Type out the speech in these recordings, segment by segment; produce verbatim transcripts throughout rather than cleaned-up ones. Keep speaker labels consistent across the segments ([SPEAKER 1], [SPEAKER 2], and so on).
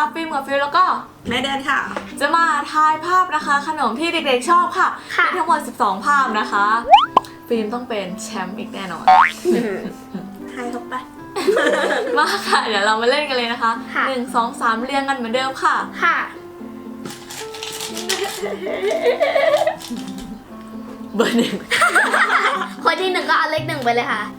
[SPEAKER 1] ฟิล์มกับฟิลแล้วก็
[SPEAKER 2] แม่เดินค่ะ
[SPEAKER 1] จะมาทายภาพนะคะขนมที่เด็กๆชอบค่ะมีทั้งหมดสิบสองภาพนะคะฟิล์มต้องเป็นแชมป์อีกแน่นอน
[SPEAKER 2] ทายเข้าไป
[SPEAKER 1] มาค่ะเดี๋ยวเรามาเล่นกันเลยนะคะหนึ่งสองสามเรียงกันเหมือนเดิมค่ะ
[SPEAKER 3] ค่ะ
[SPEAKER 1] เบอร์หนึ่ง
[SPEAKER 3] คนที่หนึ่งก็เอาเลขหนึ่งไปเลยค่ะ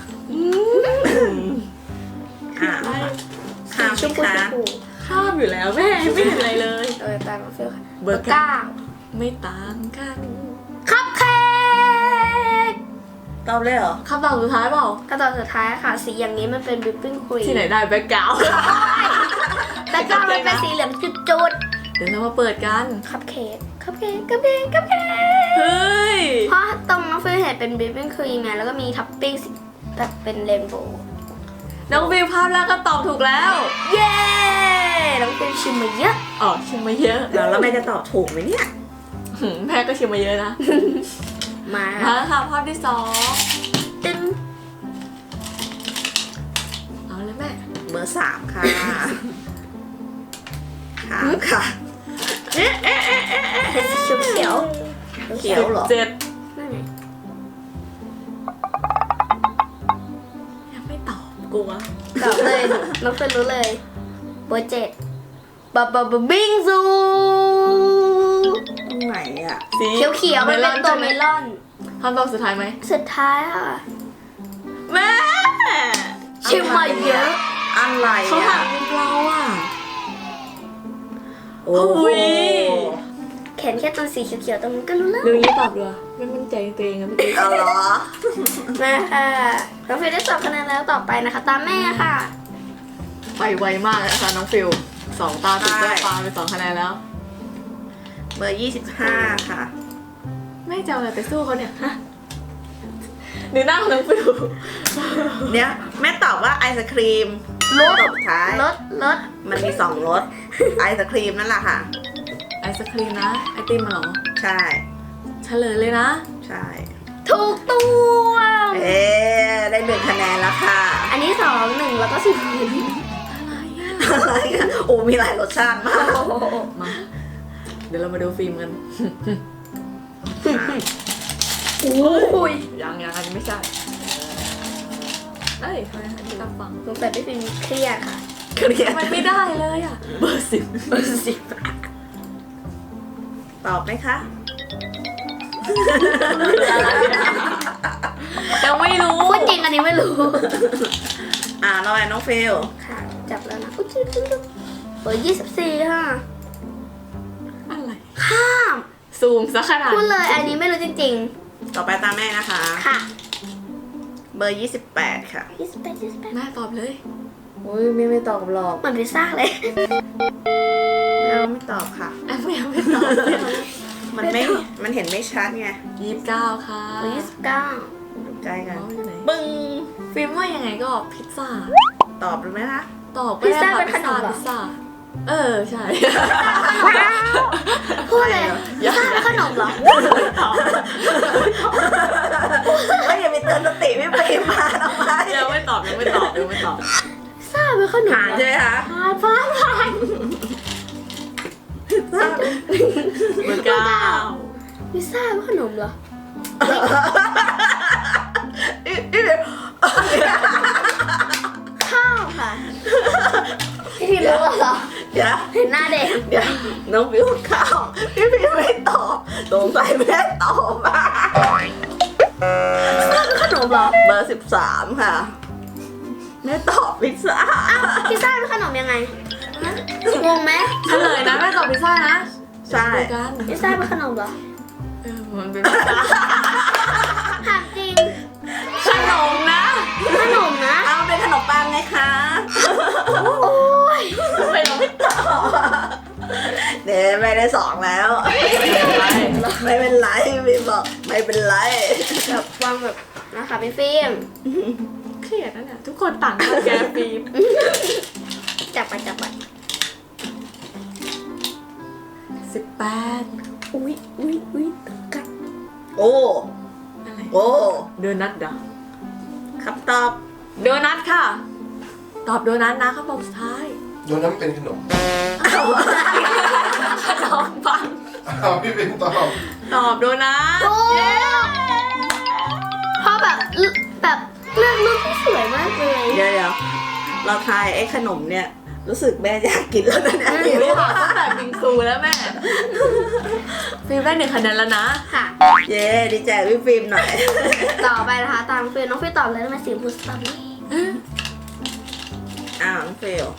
[SPEAKER 2] อ่าข้าม
[SPEAKER 3] ชมพู
[SPEAKER 2] ค่ะ
[SPEAKER 3] ชมพู
[SPEAKER 1] ข้ามอยู่แล้วแม่ไม่เห็นอะไรเลย
[SPEAKER 3] เออตามมาฟิลค่ะ
[SPEAKER 1] เบอร์เก้า ไม่ต่างกัน
[SPEAKER 3] คัพเค้ก
[SPEAKER 2] ตอบเลยเหรอ
[SPEAKER 1] คำตอบสุดท้ายเปล่า
[SPEAKER 3] ขั้นตอนสุดท้ายค่ะ สีอย่างนี้มันเป็นวิปปิ้งครีม
[SPEAKER 1] ที่ไหนได้แบ็คกราวด์
[SPEAKER 3] แล้วก็มันเป็นสีเหลืองจุด
[SPEAKER 1] เดี๋ยวเรามาเปิดกัน
[SPEAKER 3] ๆคัพเค้กคัพเค้กคัพเค้กคัพเค้ก
[SPEAKER 1] เฮ้ย
[SPEAKER 3] เพราะตรงน้องฟิลเห็นเป็นวิปปิ้งครีมไงแล้วก็มีท็อปปิ้งสีแบบเป็นเรนโบว์
[SPEAKER 1] น้องฟิลภาพแรกก็ตอบถูกแล้ว
[SPEAKER 3] เย้น้องฟิลชิมมาเยอะ
[SPEAKER 1] อ๋อชิมมาเยอะ
[SPEAKER 2] แล้วแล้วแม่จะตอบถูกไหมเนี่ย
[SPEAKER 1] หืมแม่ก็ชิมมาเยอะนะ
[SPEAKER 3] มา
[SPEAKER 1] มาค่ะภาพที่สอง
[SPEAKER 3] ตึ้ง
[SPEAKER 1] เอาเลยแม่
[SPEAKER 2] เบอร์สามค่ะถามค่ะ
[SPEAKER 3] เป็นสีเขียวเขียว
[SPEAKER 2] เขียวเหรอ
[SPEAKER 1] เจ็ด
[SPEAKER 3] ๆนั่นไง
[SPEAKER 1] ยังไม่ตอบกลัว
[SPEAKER 3] ตอบเลยน้องฟิลรู้เลยเบอร์เจ็ดบับบับบับบิงซู
[SPEAKER 2] ตรงไหนอ่ะ
[SPEAKER 1] สี
[SPEAKER 3] เขียวเขียวๆมันเป็นตัวเมลอน
[SPEAKER 1] คำตอบสุดท้ายไหม
[SPEAKER 3] สุดท้ายค่ะ
[SPEAKER 1] แม่
[SPEAKER 3] ชิมมาเยอะ
[SPEAKER 2] อะไร
[SPEAKER 1] เขาถา
[SPEAKER 2] อ่ะ
[SPEAKER 1] มเป็นเราอ่ะ
[SPEAKER 2] โอ้โห
[SPEAKER 1] อุ๊ย
[SPEAKER 3] เขียนแค่ตัวสีเขียวๆตรงนั้นก็รู้แล้ว
[SPEAKER 1] ดูยี่ตอบเลยไม่มั่นใจตัวเองนะเมื่อกี้
[SPEAKER 2] เอาเหรอ
[SPEAKER 3] มาค่ะน้องฟิลได้สองคะแนนแล้วต่อไปนะคะ ตามแม่ค่ะ
[SPEAKER 1] ไปไวมากเลยนะคะน้องฟิลสองตาติดได้ปลาไปสองคะแนนแล้ว
[SPEAKER 2] เบอร์ยี่สิบห้าค่ะ
[SPEAKER 1] แม่จะเอาอะไรไปสู้เขาเนี่ยฮะดูหน้าของน้องฟิล
[SPEAKER 2] เนี่ยแม่ตอบว่าไอศครีม
[SPEAKER 3] รส
[SPEAKER 2] ตอบท้าย
[SPEAKER 3] รสรส
[SPEAKER 2] มันมีสองรส ไอศครีมนั่นแหละค่ะ
[SPEAKER 1] ไอศครีมนะ ไอติมมาหรอ
[SPEAKER 2] ใช่
[SPEAKER 1] เฉลยเลยนะ
[SPEAKER 2] ใช่
[SPEAKER 3] ถูกตัว
[SPEAKER 2] เอ๊ะได้หนึ่งคะแนนแล้วค่ะ
[SPEAKER 3] อันนี้สองหนึ่งแล้วก็ศูนย์
[SPEAKER 1] อะไรอ่ะ
[SPEAKER 2] อะไรอ่ะโอ้มีหลายรสชาติมาก
[SPEAKER 1] มา เดี๋ยวเรามาดูฟิล์มกัน
[SPEAKER 3] โอ้ย
[SPEAKER 1] ยังยังอันนี้ไม่ใช่ เอ้ยทำไมอันนี้รับฟัง
[SPEAKER 3] สงสัยพี่ฟิล์มเครียดค่ะ
[SPEAKER 2] เครียด
[SPEAKER 1] ทำไมไม่ได้เลยอ่ะ เบอร์สิบ
[SPEAKER 3] เบอร์สิบ
[SPEAKER 2] ตอบไหมคะ
[SPEAKER 1] ยังไม่รู้
[SPEAKER 3] พูดจริงอันนี้ไม่รู้
[SPEAKER 2] อ่าเราแอนน้องฟิล
[SPEAKER 3] ค่ะ จับแล้วนะอุ๊ยจิ๊บจิ๊บจิ๊บเบอร์ยี่สิบสี่ค่ะ
[SPEAKER 1] อะไร
[SPEAKER 3] ข้าม
[SPEAKER 1] ซูมซะขนาด
[SPEAKER 3] พูดเลยอันนี้ไม่รู้จริง
[SPEAKER 2] ต่อไปตามแม่นะคะ
[SPEAKER 3] ๆ ค่ะ
[SPEAKER 2] เบอร์ยี่สิบแปดค่ะ
[SPEAKER 3] ยี่สิบแปดยี่สิบแปด
[SPEAKER 1] แม่ตอบเลย
[SPEAKER 2] โอ้ยไม่ไม่ตอบหรอก
[SPEAKER 3] เหมือนพิซซ่าเลย
[SPEAKER 2] เราไม่ตอบค่ะ
[SPEAKER 1] แอมไม่เอาไม่ตอบไม่เอา
[SPEAKER 2] มันไม่ มันเห็นไม่ชัดไง
[SPEAKER 1] ยี่สิบเก้าค่ะ
[SPEAKER 3] เบอร์ยี่สิบเก้า
[SPEAKER 2] ดูใกล้กัน
[SPEAKER 1] น้องอยู่ไหน
[SPEAKER 2] บึ้ง
[SPEAKER 1] ฟิล์มว่ายังไงก็พิซซ่า
[SPEAKER 2] ตอบรู้ไหมคะ
[SPEAKER 1] ตอบก็ได้ค่ะพิซซ่าพิซซ่า เออใช่
[SPEAKER 3] พูดเลยพิซซ่าเป็นขนมเหรอ
[SPEAKER 2] เฮ้ยอย่าไปเตือนสติพี่ปีมาทำไม
[SPEAKER 1] ยังไม่ตอบยังไม่ตอบยังไม่ตอบ
[SPEAKER 3] พิซซ่าเป็นขนม
[SPEAKER 2] ผ่าน
[SPEAKER 3] เหร
[SPEAKER 2] ใช่
[SPEAKER 3] อ
[SPEAKER 2] ไหมคะ
[SPEAKER 3] ผ่านผ่านผ่าน
[SPEAKER 1] เบอร์เก้า
[SPEAKER 3] พิซซ่าเป็นขนมเหรอ
[SPEAKER 2] อีอีเดี๋ยว
[SPEAKER 3] ข้าวค่ะพี่พิมรู้เหรอ
[SPEAKER 2] เดี๋ยว
[SPEAKER 3] เห็นหน้าเด็ก
[SPEAKER 2] เดี๋ยวน้องฟิวข้าวพี่ปีไม่ตอบสงสัยแม่ตอบมา
[SPEAKER 3] พิซซ่าเป็นขนมเหรอ
[SPEAKER 2] เบอร์สิบสามค่ะแม่ตอบพิซซ่า
[SPEAKER 3] พิซซ่าเป็นขนมยังไงฮะงงไหม
[SPEAKER 1] เฉลยนะแม่ตอบพิซซ่านะ
[SPEAKER 2] ใช่
[SPEAKER 1] ดูกัน
[SPEAKER 3] พิซซ่าเป็นขนมเหรอ
[SPEAKER 1] เออมันเป็น
[SPEAKER 3] ถามจริง
[SPEAKER 1] ขนมนะ
[SPEAKER 3] ขนมนะ
[SPEAKER 2] เอาเป็นขนมปังไงคะ
[SPEAKER 3] โอ้ย
[SPEAKER 1] ทำไมเราไม่ตอบ
[SPEAKER 2] เดี๋ยวไม่ได้สองแล้ว ไม่เป็นไรพี่บอกไม่เป็นไร
[SPEAKER 3] แบบวางแบบนะคะพี่ฟิล์ม
[SPEAKER 1] เครียดนะเนี่ยทุกคนต่างกันแกฟิล์ม
[SPEAKER 3] จับไปจับไป
[SPEAKER 1] สิบแปด
[SPEAKER 3] อุ้ยอุ้ยอุ้ยตึงกัน
[SPEAKER 2] โอ้
[SPEAKER 1] อะไร
[SPEAKER 2] โอ้
[SPEAKER 1] โดนัทเดอ
[SPEAKER 2] คำตอบ
[SPEAKER 1] โดนัทค่ะ ตอบโดนัทนะคำตอบสุดท้าย
[SPEAKER 2] ย
[SPEAKER 4] ตัวนั้นเป็นขนม
[SPEAKER 1] ขนมปัง
[SPEAKER 4] อ้าวพี่เป็นตอบ
[SPEAKER 1] ตอบโดนัท
[SPEAKER 3] ถูก
[SPEAKER 1] เย้
[SPEAKER 3] เพราะแบบแบบเลือกรูปที่สวยมากเลย
[SPEAKER 2] เดี๋ยวเดี๋ยวเราทายไอ้ขนมเนี่ย รู้สึกแม่อยากกินแล้วนะเนี่ย
[SPEAKER 1] ฟิล์มถามตั้งแต่บิงซูแล้วแม่ฟิล์มได้หนึ่งคะแนนแล้วนะ
[SPEAKER 3] ค่ะ
[SPEAKER 2] เย้ดีใจพี่ฟิล์มหน่อย
[SPEAKER 3] ต่อไปนะคะตามน้องฟิลน้องฟิลตอบเลยทำไมสีชมพูสตรอเบอรี่
[SPEAKER 2] อ้าวน้องฟิล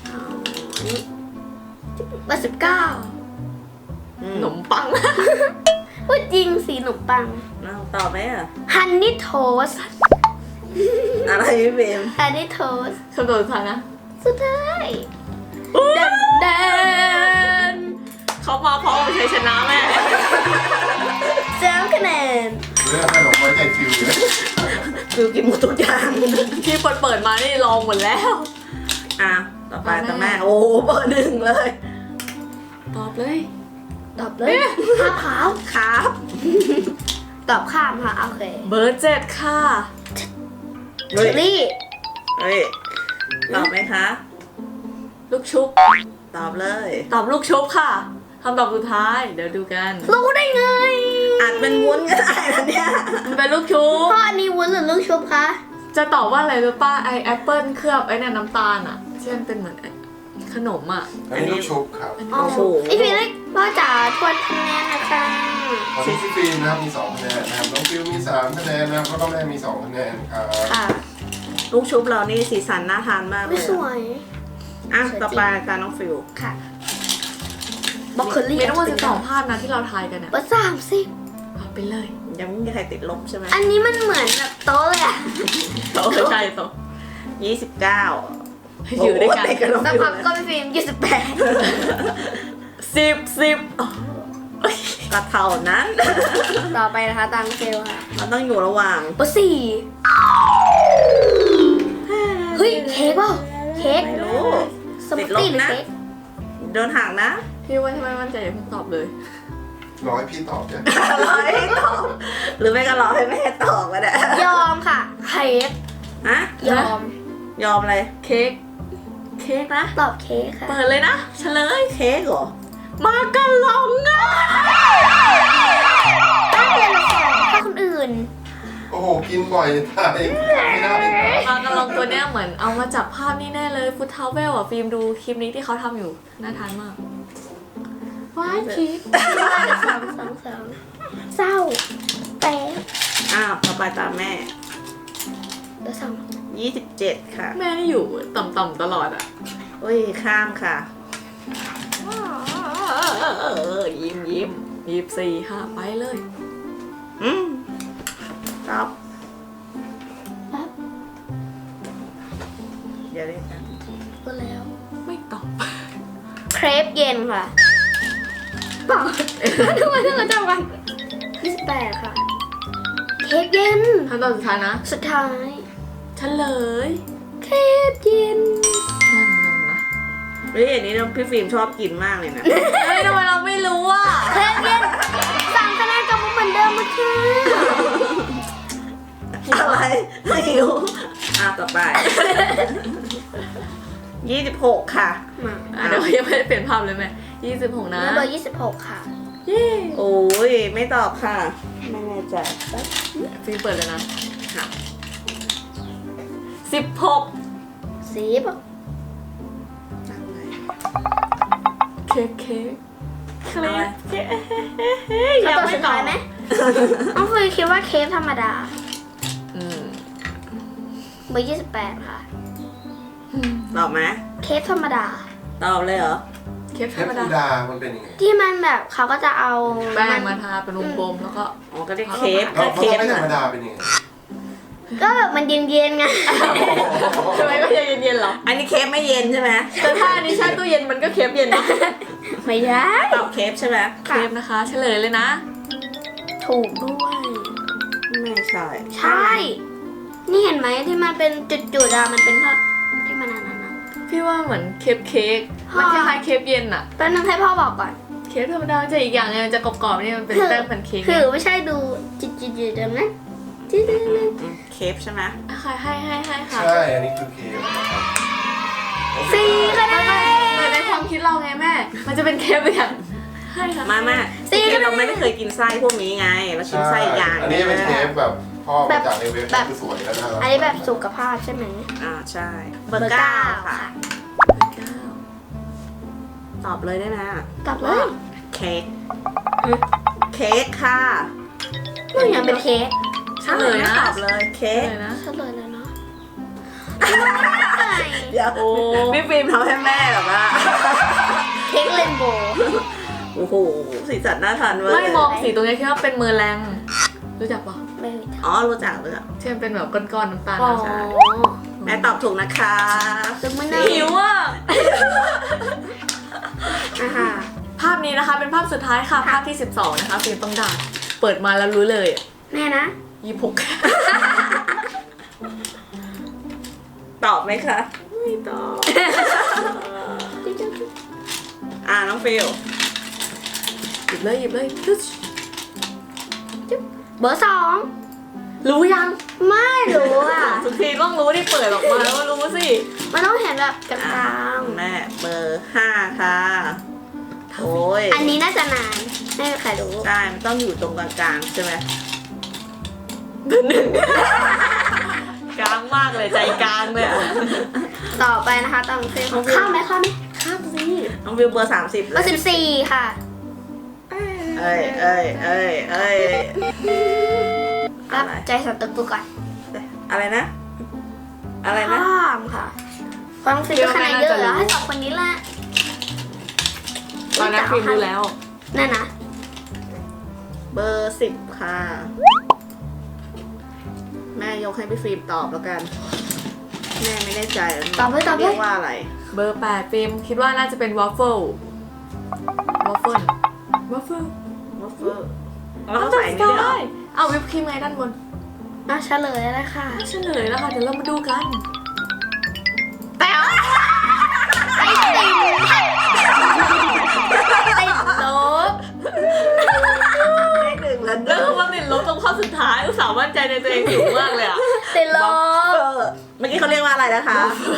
[SPEAKER 3] เบอร์สิบเก้า
[SPEAKER 2] อื
[SPEAKER 1] ขนมปัง
[SPEAKER 3] พูดจริงสีขนมปัง
[SPEAKER 2] เอาตอบไหมอ่ะ
[SPEAKER 3] ฮันนี่โทส
[SPEAKER 2] อะไรพี่ฟิล์ม
[SPEAKER 3] ฮันนี่โทส
[SPEAKER 1] คำตอบสุดท้ายนะ
[SPEAKER 3] สุดท้ายเดนเดน
[SPEAKER 1] เขามาพร้อมกับชัยชนะแม่
[SPEAKER 3] เจ้าคะแนน
[SPEAKER 4] เรื่องขนมไว้ใจฟิวเลย
[SPEAKER 2] ฟิลกินหมดทุกอย่าง
[SPEAKER 1] ที่เปิดเปิดมานี่ลองหมดแล้ว
[SPEAKER 2] อ่ะต่อไปต่อแม่โอ้โหเบอร์หนึ่งเลย
[SPEAKER 1] ตอบเลย
[SPEAKER 3] ตอบเลยข้าวขาว
[SPEAKER 2] ครับ
[SPEAKER 3] ตอบข้ามค่ะโอเค
[SPEAKER 1] เบอร์เจ็ดค่ะ
[SPEAKER 3] เชอรี่
[SPEAKER 2] เฮ้ยตอบไหมคะ
[SPEAKER 1] ลูกชุบ
[SPEAKER 2] ตอบเลย
[SPEAKER 1] ตอบลูกชุบค่ะคำตอบสุดท้าย เดี๋ยวดูกัน
[SPEAKER 3] รู้ได้ไง
[SPEAKER 2] อาจเป็นวุ้นก็ได้นะเนี่ย
[SPEAKER 1] มันเป็นลูกชุบ
[SPEAKER 3] พ่ออันนี้วุ้นหรือลูกชุบคะ
[SPEAKER 1] จะตอบว่าอะไรรู้ป้าไอแอปเปิลเคลือบไอเนี่ยน้ำตาลอ่ะที่มันเป็นเหมือนไอ้ขนมอ่ะ
[SPEAKER 4] อันนี้ลูกชุบครับ
[SPEAKER 3] อ๋ออีพีเล็กพ่อจ๋าทวนคะแนนนะคะ
[SPEAKER 4] ตอนนี้พี่ฟิล์มนะครับมีสองคะแนนนะครับน้องฟิวมีสามคะแนนนะครับแล้วก็แม่มีสองคะแนนครับ
[SPEAKER 3] ค่ะ
[SPEAKER 2] ลูกชุบเรานี่สีสันน่าทานมากเล
[SPEAKER 3] ไม่
[SPEAKER 2] ย
[SPEAKER 3] สวย
[SPEAKER 2] อ่ะต่อไปการน้องฟิล
[SPEAKER 3] ค่ะบล็อกเคอรี่
[SPEAKER 1] มีทั้งหมดสิบสองภาพนะที่เราทายกันเนี่ย
[SPEAKER 3] เบอร์สามสิบ
[SPEAKER 1] เอาไปเลย
[SPEAKER 2] ยังไม่มีใครติดลบใช่ไหม
[SPEAKER 3] อันนี้มันเหมือนแบบโต๊ะเลยอะ
[SPEAKER 1] โตใช่โต
[SPEAKER 2] ยี่สิบเก้า
[SPEAKER 1] อยู่ด้วยกัน
[SPEAKER 2] โโหติกับน้อง
[SPEAKER 3] สัก
[SPEAKER 2] ฟิล
[SPEAKER 3] พักก็
[SPEAKER 2] เลย
[SPEAKER 3] ไปฟิล์มยี่สิบแปด
[SPEAKER 1] สิบสิบอ๋อ
[SPEAKER 2] ก็เท่านั้น
[SPEAKER 3] ต่อไปนะคะตามเซลค่ะ
[SPEAKER 2] มันต้องอยู่ระหว่าง
[SPEAKER 3] เบอร์สี่เฮ้ยเค้กเปล่าเค้ก
[SPEAKER 2] ไม่รู้
[SPEAKER 3] สมูทตี้หรือเค้ก
[SPEAKER 2] โดนหักนะ
[SPEAKER 1] พี่ว่าทำไมมั่นใจอย่าเพิ่งตอบเลย
[SPEAKER 4] รอให้พี่ตอบเนี่ย
[SPEAKER 2] รอให้ตอบหรือไม่ก็รอให้แม่ตอบก็ได้
[SPEAKER 3] ยอมค่ะเค้ก
[SPEAKER 2] ฮะ
[SPEAKER 3] ยอม
[SPEAKER 2] ยอมอะไร
[SPEAKER 1] เค้กเค้กนะ
[SPEAKER 3] ตอบเค้กค่ะ
[SPEAKER 1] เปิดเลยนะเฉลย
[SPEAKER 2] เค้กเหรอ
[SPEAKER 1] มากะลองอ่ะ
[SPEAKER 3] ถ้าเรียนละสองถ้าคนอื่น
[SPEAKER 4] โอ้โหกินบ่อยตายไม่ได้
[SPEAKER 1] มากะลองตัวเนี้ยเหมือนเอามาจากภาพนี่แน่เลยฟุตทาวเวลอ่ะฟิล์มดูคลิปนี้ที่เขาทำอยู่น่าทานมากว้ายคิด
[SPEAKER 3] สองสองสองเศร้าแป๊บ
[SPEAKER 2] อ้าวต่อไปตามแม่
[SPEAKER 3] เบอร์สอง
[SPEAKER 2] ยี่สิบเจ็ดค่ะ
[SPEAKER 1] แม่นี่อยู่ต่ำๆตลอดอ่ะ
[SPEAKER 2] อุ้ยข้ามค่ะ
[SPEAKER 1] เออยิ้มยิ้มยี่สิบสี่ค่ะไปเลย
[SPEAKER 2] อืมตอบ
[SPEAKER 3] แป๊บ
[SPEAKER 2] เดี๋ยวเรียกกัน
[SPEAKER 3] ก็แล้ว
[SPEAKER 1] ไม่ตอบ
[SPEAKER 3] เครปเย็นค่ะเปล่าทำไมต้องมาจำกันยี่สิบแปดค่ะ เค้กเย็น
[SPEAKER 1] คำตอบสุดท้ายนะ
[SPEAKER 3] สุดท้าย
[SPEAKER 1] เฉลย
[SPEAKER 3] เค้กเย็น
[SPEAKER 1] นั่นนั่นนะ
[SPEAKER 2] เฮ้ยอันนี้พี่ฟิล์มชอบกินมากเลยนะ
[SPEAKER 1] เฮ้ยทำไมเราไม่รู้อ่ะ
[SPEAKER 3] เค้กเย็นสามคะแนนกลับมาเหมือนเดิมเมื่อกี้
[SPEAKER 2] อะไรไม่รู้อ่ะต่อไป ยี่สิบหกค่ะ
[SPEAKER 3] มา
[SPEAKER 1] อ่ะเดี๋ยวยังไม่ได้เปลี่ยนภาพเลยแม่ยี่สิบหกนะ
[SPEAKER 3] แล้วเบอร์ยี่สิบหกค่ะ
[SPEAKER 1] เย้
[SPEAKER 2] โอ้ยไม่ตอบค่ะ ไม่แน่ใจ
[SPEAKER 1] ฟิล์มเปิดเลยนะ
[SPEAKER 2] ค่ะ
[SPEAKER 1] สิบหก
[SPEAKER 3] สีบ
[SPEAKER 2] ตั้งไว้
[SPEAKER 1] เค้กเค้กเค้กเค้ก
[SPEAKER 3] คำตอบสุดท้ายไหมน้องเฟยคิดว่าเค้กธรรมดา
[SPEAKER 1] อืม
[SPEAKER 3] เบอร์ยี่สิบแปดค่ะ
[SPEAKER 2] ตอบไหม
[SPEAKER 3] เค้กธรรมดา
[SPEAKER 2] ตอบเลยเหรอ
[SPEAKER 1] เค้ก
[SPEAKER 4] เท
[SPEAKER 1] ธร
[SPEAKER 4] ป
[SPEAKER 1] รม
[SPEAKER 4] ฟู
[SPEAKER 1] ดา
[SPEAKER 4] ดามันเป็นยังไง
[SPEAKER 3] ที่มันแบบเขาก็จะเอา
[SPEAKER 1] แป้งมาทาเป็นวงกลมแล้วก็
[SPEAKER 2] อ๋อก็เรียกเค้ก
[SPEAKER 4] เรา
[SPEAKER 2] ก็
[SPEAKER 4] เขา
[SPEAKER 2] เค้ก
[SPEAKER 4] ไม่ธร
[SPEAKER 2] น่ะ
[SPEAKER 4] รมดาเป็นยังไง
[SPEAKER 3] ก็แบบมันเย็นๆไง
[SPEAKER 1] ทำไมก็ยังเย็นๆเหรอ
[SPEAKER 2] อันนี้เค้กไม่เย็นใช่ไหม
[SPEAKER 1] แต่ถ้าอันนี้แช่ตู้เย็นมันก็เค้กเย็นนะ
[SPEAKER 3] ไม่ใช่
[SPEAKER 2] ตอบเค้กใช่ไหม
[SPEAKER 1] เค้กนะคะ เฉลยเลยนะ
[SPEAKER 3] ถูกด้วย
[SPEAKER 2] ไม่ใช่
[SPEAKER 3] ใช่ นี่เห็นไหมที่มันเป็นจุดๆอะมันเป็นภาพที่มันอันนั้นนะ
[SPEAKER 1] พี่ว่าเหมือนเค้กเค้กมันคล้ายๆเค้กเย็นอะ
[SPEAKER 3] แป๊บนึงให้พ่อบอกก่อน
[SPEAKER 1] เค้กธรรมดาจะอีกอย่างนึงมันจะกรอบๆนี่มันเป็นแป้งแพนเค้ก
[SPEAKER 3] คือไม่ใช่ดูจุดๆๆแบบนั้นจุด
[SPEAKER 2] อืมเค้กใช่ไหม
[SPEAKER 1] ค่ะให้ให้ให้ค่ะ
[SPEAKER 4] ใช่ อันนี้คือเค้กนะครับ
[SPEAKER 3] ๆสี่คะแนน
[SPEAKER 1] ความคิดเราไงแม่ มันจะเป็นเคปอย่างให้ค่ะ
[SPEAKER 2] มาแม่คือเราไม่ได้เคยกินไส้พวกนี้ไงเรากินไส้ยาง
[SPEAKER 4] อันนี้เป็นเทปแบบพ่อมาจากในเว็บ
[SPEAKER 3] แบบ
[SPEAKER 4] คือสวยแล้วนะครับ
[SPEAKER 3] อันนี้แบบสุขภาพใช่ไหม
[SPEAKER 2] อ่าใช่เบอร์เก้าค่ะ
[SPEAKER 1] เก้า
[SPEAKER 2] ตอบเลยได้ไหม
[SPEAKER 3] ตอบเลย
[SPEAKER 2] เค้กเค้กค่ะ
[SPEAKER 3] มันยังเป็นเค้ก
[SPEAKER 1] เฉลยนะ
[SPEAKER 2] ตอบเลยเค้
[SPEAKER 1] เฉ
[SPEAKER 2] ก
[SPEAKER 1] ลยนะ
[SPEAKER 3] เฉลยเลยเนาะ
[SPEAKER 2] เดี๋ยวพี่ฟิล์มทำให้แม่แบบว่า
[SPEAKER 3] เค้กเรนโบว์
[SPEAKER 2] โอ้โหสีสันน่าทานเวอร์
[SPEAKER 1] ไม่มองสีตรงนี้คิดว่าเป็นเมอร์แรงรู้จักปะ
[SPEAKER 3] ไม่รู้จัก
[SPEAKER 2] อ๋อรู้จักเลยอะ
[SPEAKER 1] ที่มันเป็นแบบก้อนๆน้ำตาล
[SPEAKER 3] อ๋อ
[SPEAKER 1] นะ
[SPEAKER 2] แม่ตอบถูกนะคะ
[SPEAKER 3] ซึ่งไม่น่า
[SPEAKER 1] หิวอ่ะ
[SPEAKER 3] อ่ะฮะ
[SPEAKER 1] ภาพนี้นะคะเป็นภาพสุดท้ายค่ะ ภาพที่สิบสองนะคะฟิล์มต้องด่าเปิดมาแล้วรู้เลย
[SPEAKER 3] แน่นะ
[SPEAKER 1] ยี่หก
[SPEAKER 2] ตอบไหมคะ
[SPEAKER 1] ไม่ตอบ
[SPEAKER 2] อ่าน้องฟิล
[SPEAKER 1] หยิบเลยหยิบเลยตึ๊ด
[SPEAKER 3] เบอร์สอง
[SPEAKER 1] รู้ยัง
[SPEAKER 3] ไม่รู้อ่ะ
[SPEAKER 1] ทุกทีต้องรู้ที่เปิดออกมาแล้วก็รู้สิ
[SPEAKER 3] มันต้องเห็นแบบกล
[SPEAKER 2] อ่ะ
[SPEAKER 3] าง
[SPEAKER 2] แม่เบอร์ห้าค่ะโอ้ย
[SPEAKER 3] ๆอันนี้น่าจะนานไม่มีใครรู้
[SPEAKER 2] ใช่มันต้องอยู่ตรงกลางๆใช่ไหม
[SPEAKER 1] กลางมากเลยใจกลางเลยอะ
[SPEAKER 3] ต่อไปนะคะต้องเฟรมข้ามไหมข้ามไหมข้ามสิ
[SPEAKER 2] น้องฟิลเบอร์สามสิบ
[SPEAKER 3] เบอร์สิบสี่ค่ะ
[SPEAKER 2] เอ้ยเอ้ยเอ้ยเอ้ย
[SPEAKER 3] รั
[SPEAKER 2] อะ
[SPEAKER 3] บ
[SPEAKER 2] ไร
[SPEAKER 3] ใจสัตว์ตะกูก่อน
[SPEAKER 2] อะไรนะ อะไรนะ
[SPEAKER 3] ข้ามค่ะฟังฟิลคะแนนเยอะแล้วให้สองคนนี้แหละ
[SPEAKER 1] ตอนนั้นฟิล์มรู้แล้ว
[SPEAKER 3] นั่นนะ
[SPEAKER 2] เบอร์สิบค่ะ แม่ยกให้พี่ฟิล์มตอบแล้วกัน แม่ไม่แน่ใจ
[SPEAKER 3] ตอบเลยตอบเล
[SPEAKER 2] เรีย
[SPEAKER 3] ย
[SPEAKER 2] กว่าอะไร
[SPEAKER 1] เบอร์แปดฟิล์มคิดว่าน่าจะเป็นวอฟเฟิลวอฟเฟิลวอฟเฟิล
[SPEAKER 2] วอฟเฟิลแล้วก็ใส่นี่ด้วยเหรอ
[SPEAKER 1] เอาวิปครีมไงด้านบน
[SPEAKER 3] อ่ะเฉลยแล้วค่ะ
[SPEAKER 1] เฉลยแล้วค่ะเดี๋ยวเรามาดูกัน
[SPEAKER 3] แต่ว่าไอติมติดลบ
[SPEAKER 2] เลขหนึ่งแล้ว
[SPEAKER 1] แล้วก็มาติดลบตรงข้อสุดท้ายอุตส่าห์มั่นใจในตัวเองสูงมากเลยอ่ะ
[SPEAKER 3] ติดล
[SPEAKER 2] วอฟเฟิ
[SPEAKER 3] บ
[SPEAKER 2] ลเมื่อกี้เขาเรียกว่าอะไรนะคะ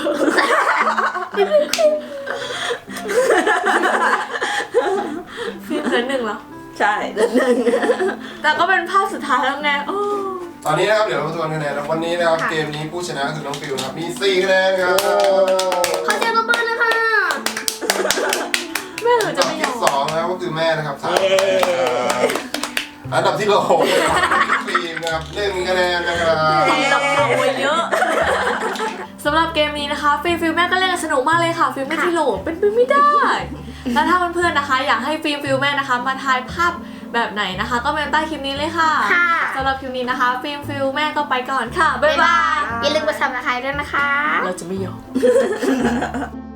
[SPEAKER 1] ฟิล์มเหลือหนึ่งเหรอ
[SPEAKER 2] ใช่เดือนหนึ่ง
[SPEAKER 1] แต่ก็เป็นภาพสุดท้ายแล้วไงโอ้
[SPEAKER 4] ตอนนี้นะครับเดี๋ยวเรามาทวนคะแนนนะวันนี้นะครับเกมนี้ผู้ชนะคือน้องฟิลนะครับมีสี่คะแนนครับ
[SPEAKER 3] ขอเสียงปรบมือเลยค่ะ
[SPEAKER 1] แม่หนูจะ
[SPEAKER 4] อันดับ
[SPEAKER 1] ไม่ยอ
[SPEAKER 4] ที่
[SPEAKER 1] ม
[SPEAKER 4] สองนะครับก็คือแม่นะครับสามคะแนนครับอันดับที่โหลนะครับฟิล์มนะครับหนึ่งคะแนนนะครับ
[SPEAKER 1] ดับเขาไว้เยอะ สำหรับเกมนี้นะคะฟิล์มฟิลแม่ก็เล่นกันสนุกมากเลยค่ะฟิล์มไม่ที่โหลดเป็นไปไม่ได้ แล้วถ้าเพื่อนๆนะคะ อยากให้ฟิล์มฟิลแม่นะคะมาทายภาพแบบไหนนะคะ ก็เมนใต้คลิปนี้เลยค่ะ
[SPEAKER 3] ค่ะ
[SPEAKER 1] สำหรับคลิปนี้นะคะฟิล์มฟิลแม่ก็ไปก่อนค่ะบ๊ายบาย
[SPEAKER 3] อย่าลืมกดซับสไครต์ด้วยนะคะ
[SPEAKER 1] เราจะไม่ยอม